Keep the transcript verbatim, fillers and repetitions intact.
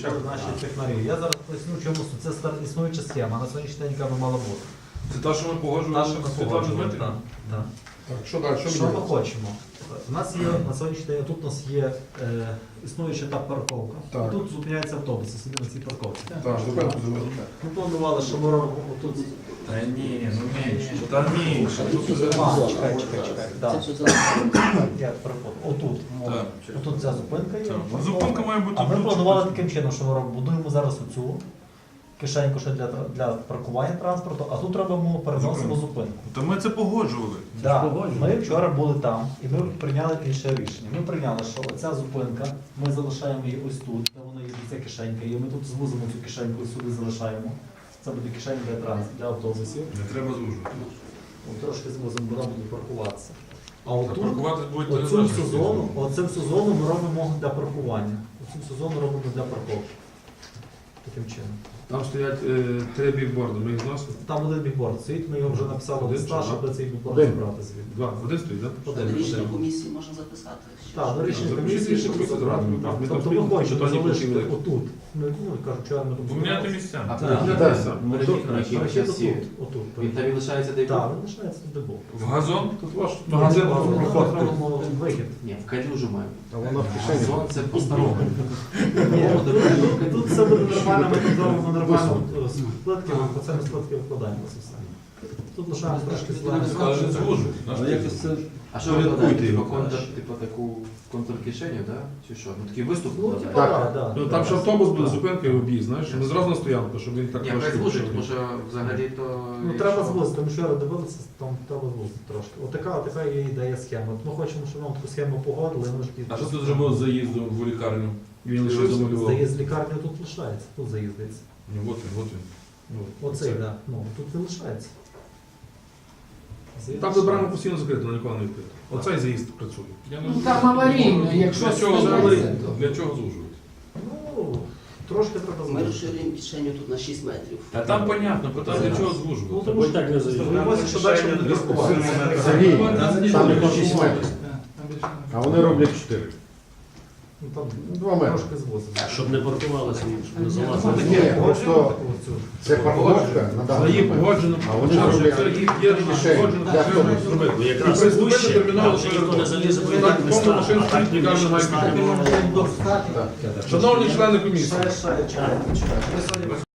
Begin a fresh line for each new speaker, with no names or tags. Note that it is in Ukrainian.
підключали наші технарі. Я зараз поясню, чому це стар- існуюча схема, на сьогоднішній день яка би мала бути.
Це та, що ми
Та,
погоджували
що ми
з Світланою
погоджували,
Дмитрівною?
так, так.
Так, що далі? Що
Що ми
міняється?
хочемо? У нас є на сьогоднішній день, тут у нас є е, існуюча та парковка.
Так.
І тут зупиняються автобуси собі на цій парковці.
Так, зупинку зробили.
Ми планували, що ми робимо тут.
Та ні, ну менше. Та менше.
А, чекай, чекай, чекай. Да.
Це все залишилося.
Я перепутав. Отут.
Так.
Отут ця зупинка є.
Так. Ну, зупинка має бути
А ми
тут.
планували таким чином, що ми робимо. Будуємо зараз оцю кишеньку ще для, для паркування транспорту, а тут робимо, переносимо зупинку.
Та ми це погоджували.
Да. Ми вчора були там і ми прийняли інше рішення. Ми прийняли, що оця зупинка, ми залишаємо її ось тут, де вона є, ця кишенька, і ми тут звузимо цю кишеньку і сюди залишаємо. Це буде кишенька для транспорту, для автобусів.
Не треба звужувати.
От трошки звузимо, вона буде паркуватися. А
Та
отут,
паркуватись будуть
оцю
не
всю зону, оцю всю зону ми робимо для паркування. Оцю всю зону робимо для парковки. Таким чином.
Там стоять е, три бікборди, ми їх зносимо.
Там один бігборд стоїть, ми його вже написали в
Один
листа,
чи
щоб цей бігборд
Один.
забрати звідти.
Два. Один стоїть, так?
Один,
На рішення
один.
комісії можна записати. що-
Так, до рішення
Запишіть
комісії,
рішення
щоб
комісії
забрати.
зразу, так. Ми там
Тобто ми
стоїмо,
хочемо
що то не
залишити
потрібно.
отут. Ми, ну, кажу, вчора ми тут
Поміняти місця.
А
Так.
перехід,
Так.
перехід на які
Перехід
часі?
отут, отут.
Він там і лишається де
Так, він лишається тут, де був.
В газон?
Тут ваш
Магазин,
магазин
магазин,
проходить.
робимо вихід.
Ні, в калюжу має.
А вона в кишені.
Газон це по-старому.
Ні, тут- Тут все буде нормально, ми тут зробимо нормально е, з плитки, по це ми з плитки викладаємо це все. Тут лишаємо трошки
Але
зеленого.
не звужують.
А що ви кладаєте? Типу контур, типу таку контур-кишеню, так? Чи що? Ну такий виступ
Ну,
кладаєте?
типа,
Так.
да, да.
Ну там ще автобус буде, зупинка і об'їзд, знаєш, не зразу на стоянку, щоб він так
Ні, хай
трошки
звужить,
відкритий.
тому що взагалі то...
Ну треба звузити, тому що я дивилися, там треба звузити трошки. Отака, така є ідея схема. От ми хочемо, щоб нам таку схему погодили, ми ж
А що тут зробив з заїздом в лікарню?
І він лишився.
заїзд з лікарні тут лишається, тут заїздиться.
Ну, от він, от він.
Ну, оцей, да. Ну, тут не лишається. Заїзд
Там забрано
лишається.
постійно закрито, на ніколи не відкрито. Оцей заїзд працює.
Я не
Ну
знаю.
там аварійно, якщо
Для чого
станеться,
взагалі?
то.
Для чого звужують?
Ну, трошки треба
Ми
звузити.
розширюємо кишеню тут на шість метрів.
Та там понятно, питання для чого
Ну,
звужувати.
тому що так не заїздить. Що далі буде паркуватися.
Сергій, там не шість метрів, а вони роблять чотири.
Ну, там
Два метри.
трошки звузимо.
Щоб не паркувалися, щоб не
Ну,
залазили.
таке,
Ні,
погоджуємо
просто
таку цю.
це парковка на
За
даний
їх
момент.
погоджено,
А вони
що
роблять
це їх є
кишені
погоджено,
для
треба
автобусу.
зробити.
Бо
І
якраз
приступити
вище,
терміново
там вже ніхто не залізе, бо
Так,
йдуть
повну
места,
машину
а так
стоїть, лікарня має
північно
піти.
станемо.
Шановні члени комісії,
Ще, ще, чекайте, чекайте. Ми сьогодні